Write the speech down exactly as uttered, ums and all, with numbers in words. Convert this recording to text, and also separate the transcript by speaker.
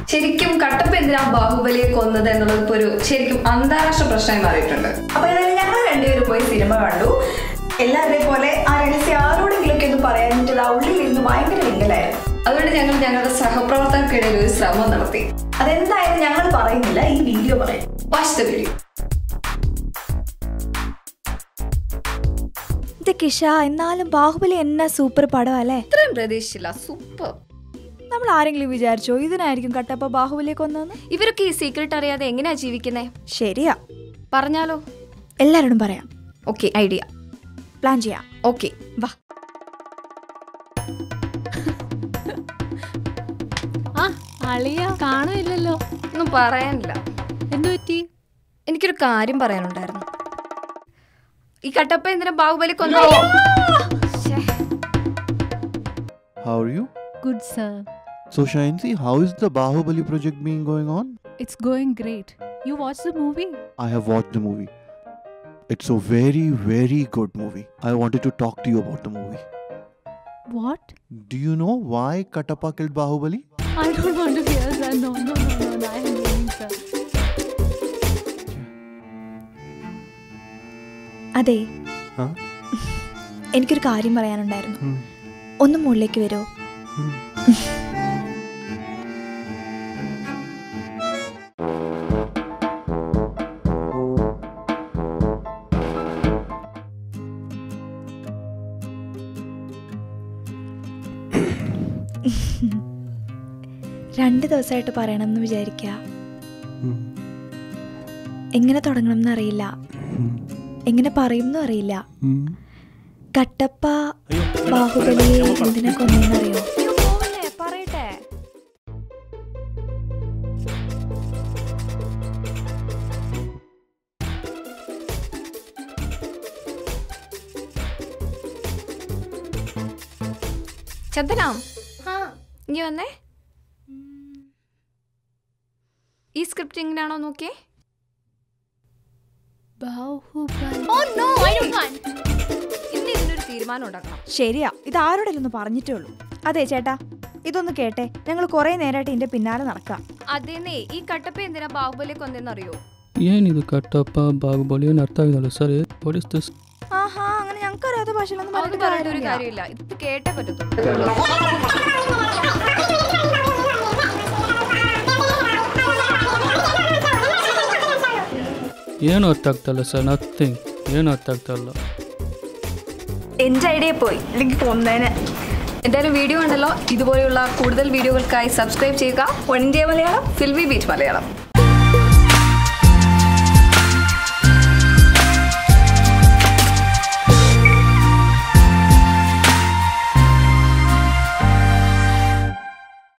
Speaker 1: ശരിക്കും കട്ടപ്പ എന്തിനാ ബാഹുബലിയെ കൊന്നത് എന്നുള്ളത് ഇപ്പോൾ ഒരു ശരിക്കും അന്താരാഷ്ട്ര പ്രശ്നമായി മാറിയിട്ടുണ്ട്.
Speaker 2: അപ്പോൾ ഏതായാലും ഞങ്ങൾ രണ്ടുപേരും പോയി സിനിമ കണ്ടു. എല്ലാവരെയും പോലെ ആ രഹസ്യം ആരോടെങ്കിലും ഒക്കെ ഒന്ന് പറയാനിട്ട് ആ ഉള്ളിൽ ഇരുന്ന് ഭയങ്കര വിങ്ങലായിരുന്നു.
Speaker 1: അതുകൊണ്ട് ഞങ്ങൾ ഞങ്ങളുടെ സഹപ്രവർത്തകർക്കിടയിൽ ഒരു ശ്രമം നടത്തി.
Speaker 2: അതെന്തായാലും ഞങ്ങൾ പറയുന്നില്ല, ഈ വീഡിയോ പറയും.
Speaker 1: Watch the video.
Speaker 3: കിഷ, എന്നാലും ബാഹുബലി എന്നാ സൂപ്പർ പടം അല്ലേ?
Speaker 1: ഇത്രയും പ്രതീക്ഷിച്ചില്ല. സൂപ്പർ.
Speaker 3: നമ്മൾ ആരെങ്കിലും വിചാരിച്ചോ ഇതിനായിരിക്കും കട്ടപ്പ ബാഹുബലിയെ കൊന്നെന്ന്?
Speaker 1: ഇവരൊക്കെ ഈ സീക്രട്ട് അറിയാതെ എങ്ങനെയാ ജീവിക്കുന്നേ?
Speaker 3: ശരിയാ,
Speaker 1: പറഞ്ഞാലോ?
Speaker 3: എല്ലാരോടും പറയാം.
Speaker 1: Okay, idea.
Speaker 3: പ്ലാൻ ചെയ്യാം.
Speaker 1: ഓക്കെ, വാ.
Speaker 4: കാണുന്നില്ലല്ലോ.
Speaker 1: ഒന്നും പറയാനില്ല.
Speaker 4: എന്തു പറ്റി?
Speaker 1: എനിക്കൊരു കാര്യം പറയാനുണ്ടായിരുന്നു. ഈ കട്ടപ്പ എന്തിനാ Baahubali കൊന്നോ?
Speaker 5: How are you?
Speaker 4: Good, sir.
Speaker 5: So Shayansi, how is the Bahubali project being going on?
Speaker 4: It's going great. You watched the movie?
Speaker 5: I have watched the movie. It's a very, very good movie. I wanted to talk to you about the movie.
Speaker 4: What?
Speaker 5: Do you know why Katappa killed Bahubali?
Speaker 4: I don't want to hear, sir. No, no, no, no, no. I am leaving, sir.
Speaker 3: അതെ,
Speaker 5: Huh?
Speaker 3: എനിക്കൊരു കാര്യം പറയാനുണ്ടായിരുന്നു. ഒന്ന് മുകളിലേക്ക് വരുമോ? രണ്ട് ദിവസമായിട്ട് പറയണമെന്ന് വിചാരിക്കുക. എങ്ങനെ തുടങ്ങണം എന്നറിയില്ല, എങ്ങനെ പറയുമെന്നും അറിയില്ല. കട്ടപ്പ ബാഹുബലിയെ എന്തിനാ കൊന്നറിയോ?
Speaker 1: പറയട്ടെ. ചന്ദന, ഇനി വന്നേ. ഈ സ്ക്രിപ്റ്റ് എങ്ങനെയാണോ നോക്കിയേ. ഇന്ന് ഇതിനൊരു തീരുമാനം ഉണ്ടാക്കണം.
Speaker 3: ശരിയാ, ഇത് ആരോടെങ്കിലും ഒന്ന് പറഞ്ഞിട്ടേ ഉള്ളൂ. അതെ ചേട്ടാ, ഇതൊന്ന് കേട്ടെ. ഞങ്ങൾ കുറെ നേരമായിട്ട് ഇതിന്റെ പിന്നാലെ നടക്കാം.
Speaker 1: അതേന്നേ, ഈ കട്ടപ്പ എന്തിനാ ബാഹുബലിയെ കൊന്നെന്നറിയോ?
Speaker 6: ಏನಿದು ಕಟ್ಟಪ್ಪ ಬಾಹುಬಲಿ ಏನು ಅರ್ಥ ಆಗಿಲ್ಲ ಸರ್. What is this?
Speaker 3: ആഹാ, അങ്ങനെ ഞങ്ങൾക്ക് അറിയാത്ത ഭാഷയിലൊന്നും
Speaker 1: പറഞ്ഞിട്ട്
Speaker 3: പറഞ്ഞിട്ട്
Speaker 1: ഒരു
Speaker 3: കാര്യമില്ല.
Speaker 1: കാര്യമില്ല. ഇത് കേട്ടേ പറ്റത്തുള്ളൂ.
Speaker 6: ಏನು ಅರ್ಥ ಆಗ್ತಾಯಿಲ್ಲ ಸರ್. ನಥಿಂಗ್. ಏನು ಅರ್ಥ ಆಗ್ತಾಯಿಲ್ಲ.
Speaker 2: എൻ്റെ ഐഡിയ പോയി, അല്ലെങ്കിൽ കൊന്നേനെ.
Speaker 1: എന്തായാലും വീഡിയോ ഉണ്ടല്ലോ. ഇതുപോലെയുള്ള കൂടുതൽ വീഡിയോകൾക്കായി സബ്സ്ക്രൈബ് ചെയ്യുക.
Speaker 2: One India Malayalam,
Speaker 1: filmi beat Malayalam.